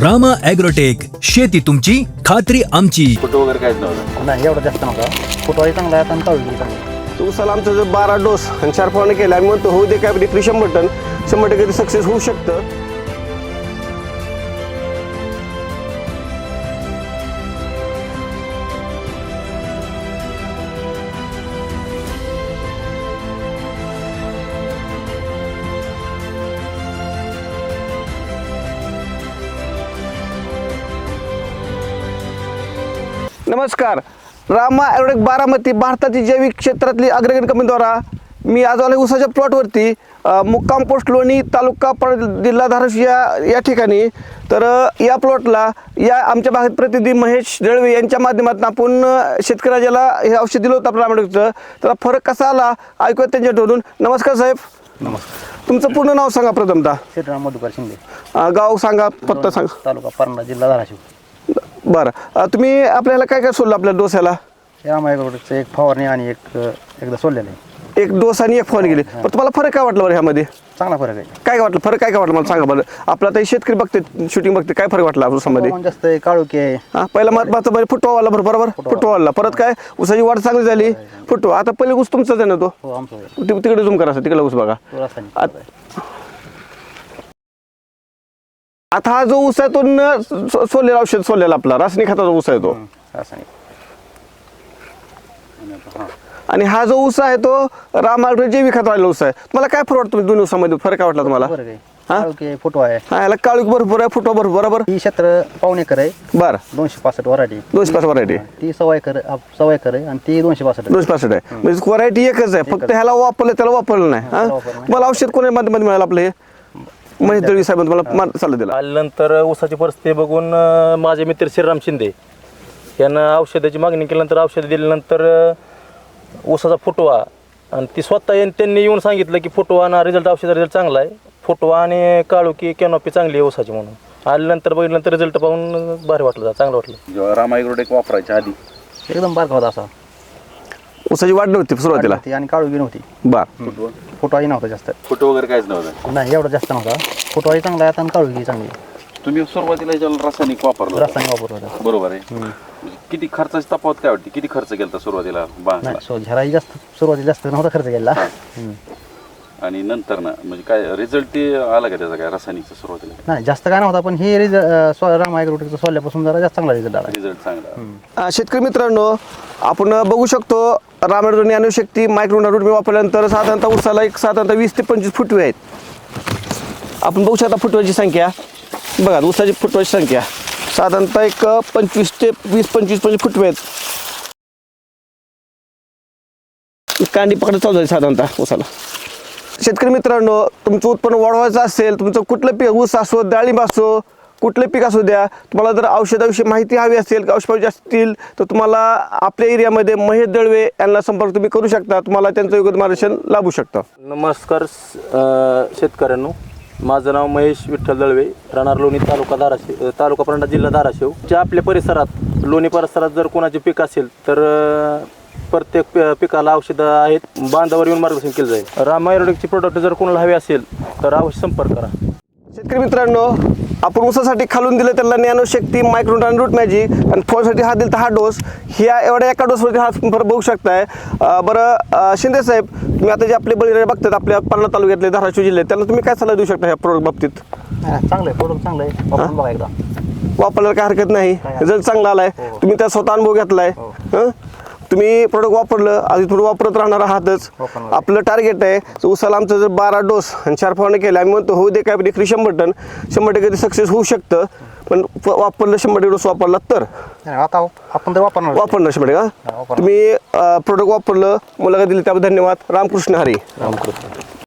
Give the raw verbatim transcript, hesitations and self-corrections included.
Rama agrotech, शेती तुमची खात्री आमची. फोटो वगैरे काहीच नव्हतं. नाही एवढं जास्त नव्हता. फुटवाही चांगला आहे आणि तळवी चांगली. उसाला आमचं जर बारा डोस आणि चार फवारणी केल्या आम्ही म्हणतो होऊ दे काय विक्री शंभर टन शंभर टक्के ते सक्सेस होऊ शकतं. नमस्कार. रामा ॲग्रोटेक बारामती भारताची जैविक क्षेत्रातली अग्रगण्य कंपनीद्वारा मी आज आलो उसाच्या प्लॉटवरती, मुक्काम पोस्ट लोणी, तालुका परळ, जिल्हा धाराशिव या या ठिकाणी. तर या प्लॉटला या आमच्या भागात प्रतिनिधी महेश दळवे यांच्या माध्यमातून आपण शेतकऱ्याला हे औषध दिलं होतं आपल्या रामायणाचं. त्याला फरक कसा आला ऐकूया त्यांच्याकडून. नमस्कार साहेब. नमस्कार. तुमचं पूर्ण नाव सांगा प्रथमतः. श्रीराम मधुकर शिंदे, गाव सांगा, पत्ता सांगा. तालुका परंडा, जिल्हा धाराशिव. बरं, तुम्ही आपल्याला काय काय सोडलं आपल्या डोस्याला? रामायगडचं एक फवारणी आणि एक एकदा सोडलेलं आहे. एक डोस आणि एक फवारणी गेली. पण तुम्हाला फरक काय वाटलं बरं ह्यामध्ये? चांगला फरक आहे. काय काय वाटलं फरक काय काय वाटलं मला सांगा बरं. आपला आता शेतकरी बघते, शूटिंग बघते, काय फरक वाटला ऊसामध्ये? हवामान जास्त आहे, काळोखी आहे. हा, पहिला महत्वाचं म्हणजे फुटवा वाला बरोबर बरोबर फुटवा वाला. परत काय ऊसाची वाढ चांगली झाली, फुटवा. आता पहिले ऊस तुमचाच आहे ना तो? हो, आमचं आहे. ति- तिकडे झूम करा, तिकडे ऊस बघा. तो रासायनिक आत- आता हा जो ऊस आहे तो न सो- सोडलेला औषध सोडलेला आपला रासायनिक खताचा ऊस आहे तो. हं, रासायनिक. आणि हा जो ऊस आहे तो राम ॲग्रोटेक जैविक खताचा ऊस आहे. तुम्हाला काय फरक वाटतं दोन्ही ऊसामध्ये? फरक काय वाटला तुम्हाला? फरक आहे. हा? काळोखी आहे, फुटवा आहे. हा, याला काळूक भरपूर आहे, फुटवा भरपूर बरोबर. ही क्षेत्र पावणे एकर आहे. बरं, दोनशे पासष्ट वराठी. दोनशे पाच व्हरायटी, ती सव्वा एकर आप- सव्वा एकर आहे आणि ती दोनशे पासष्ट आहे. दोनशे पासष्ट आहे. म्हणजे व्हरायटी एकच आहे, फक्त ह्याला वापरलं त्याला वापरलं नाही. हा, त्याला वापरलं नाही. तुम्हाला औषध कोणी माध्यमात मिळालं आपलं हे? महेश दळवी साहेब तुम्हाला मा- सल्ला दिला. आल्यानंतर ऊसाची परिस्थिती बघून अं, माझे मित्र श्रीराम शिंदे यांना औषधाची मागणी केल्यानंतर औषध दिल्यानंतर अं, ऊसाचा फुटवा आणि ती स्वतः येऊन त्यांनी येऊन सांगितलं की फुटवा आणि रिझल्ट औषधाचा रिझल्ट चांगला आहे. फुटवा आणि काळुकी कॅनॉपी चांगली आहे ऊसाची म्हणून. आल्यानंतर बघितल्यानंतर रिझल्ट पाहून भारी वाटलं, चांगलं वाटलं. जेव्हा रामा ॲग्रोटेक वापरायच्या आधी एकदम बारका होता असा. ऊसाची वाढ नव्हती सुरुवातीला. ती आणि काळोखी नव्हती. बर, फुटवाही नव्हता जास्त. फोटो वगैरे काहीच नव्हतं. नाही एवढं जास्त नव्हता. फुटवाही चांगला आहे आणि काळोखी चांगली आहे. तुम्ही सुरुवातीला ज्याला रासायनिक वापरलं होतं, रासायनिक वापर होता. बरोबर आहे. म्हणजे किती खर्चाची तफावत काय वाटते? किती खर्च केला सुरुवातीला बांधला नाही सो झराही जास्त सुरुवातीला जास्त नव्हता खर्च केला. हं. आणि नंतर ना म्हणजे काय रिझल्ट ते आला का त्याचा? काय रासायनिकचा सुरुवातीला नाही जास्त काय नव्हता, पण हे रिझल्ट रामा ॲग्रोटेकचा सोडल्यापासून जरा जास्त चांगला रिझल्ट आला. रिझल्ट चांगला? अं, शेतकरी मित्रांनो, आपण बघू शकतो Ram Agrotech Nanoshakti micro root मी वापरल्यानंतर साधारणतः ऊसाला एक साधारणतः वीस ते पंचवीस फुटवे आहेत. आपण बघू शकता फुटव्याची संख्या बघा, ऊसाची फुटव्याची संख्या साधारणतः एक पंचवीस ते वीस पंचवीस पंचवीस फुटवे आहेत. कांडी पकडत चालू आहे साधारणतः ऊसाला. शेतकरी मित्रांनो, तुमचं उत्पन्न वाढवायचं असेल, तुमचं कुठलं पीक ऊस असो, डाळिंब असो, कुठलं पीक असू द्या, तुम्हाला जर औषधाविषयी माहिती हवी असेल, औषध पाहिजे असतील तर तुम्हाला आपल्या एरियामध्ये महेश दळवे यांना संपर्क तुम्ही करू शकता. तुम्हाला त्यांचं योग्य मार्गदर्शन लाभू शकतं. नमस्कार अं, शेतकऱ्यांनो, माझं नाव महेश विठ्ठल दळवे, राहणार लोणी, तालुका धाराशिव, तालुका परंडा, जिल्हा धाराशिव. ज्या आपल्या परिसरात लोणी परिसरात जर कोणाचे पीक असेल तर अं, प्रत्येक पि- पिकाला औषधं आहेत. बांधावर येऊन मार्गदर्शन केलं जाईल. रामा ॲग्रोटेकची प्रोडक्ट जर कोणाला हवे असेल तर अवश्य संपर्क करा. शेतकरी मित्रांनो, आपण ऊसासाठी खालून दिलं त्याला नॅनोशक्ती मायक्रोन आणि रूट मॅजिक, आणि फळसाठी हा दिला हा डोस. ह्या एवढ्या एका डोसवरती हा फरक बघू शकताय. अं, बरं अं, शिंदे साहेब, तुम्ही आता जे आपले बळीराजा बघतात आपल्या पालना तालुक्यातले धाराशिव जिल्ह्यात, त्याला तुम्ही काय सल्ला देऊ शकता ह्या प्रोडक्ट बाबतीत? नाही, चांगलं आहे प्रोडक्ट, चांगलं आहे. वापरून बघा एकदा. वापरायला काय हरकत नाही, रिझल्ट चांगला आलाय. तुम्ही त्या स्वतः अनुभव घेतलाय. हं? तुम्ही प्रोडक्ट वापरलं, आधी थोडं वापरत राहणार आहातच. वापरणार. आपलं टार्गेट आहे ऊसाला आमचं जर बारा डोस आणि चार फवारणी केल्या, आम्ही म्हणतो होऊ दे काय विक्री शंभर टन शंभर टक्के ते सक्सेस होऊ शकतं. पण फ- वापरलं शंभर टक्के डोस वापरला तर नाही, आता आपण तर वापरणार. वापरणार शंभर टक्के. हा, हा? वापरणार. तुम्ही प्रोडक्ट वापरलं, मुलाखत दिली त्याबद्दल धन्यवाद. रामकृष्ण हरी. रामकृष्ण.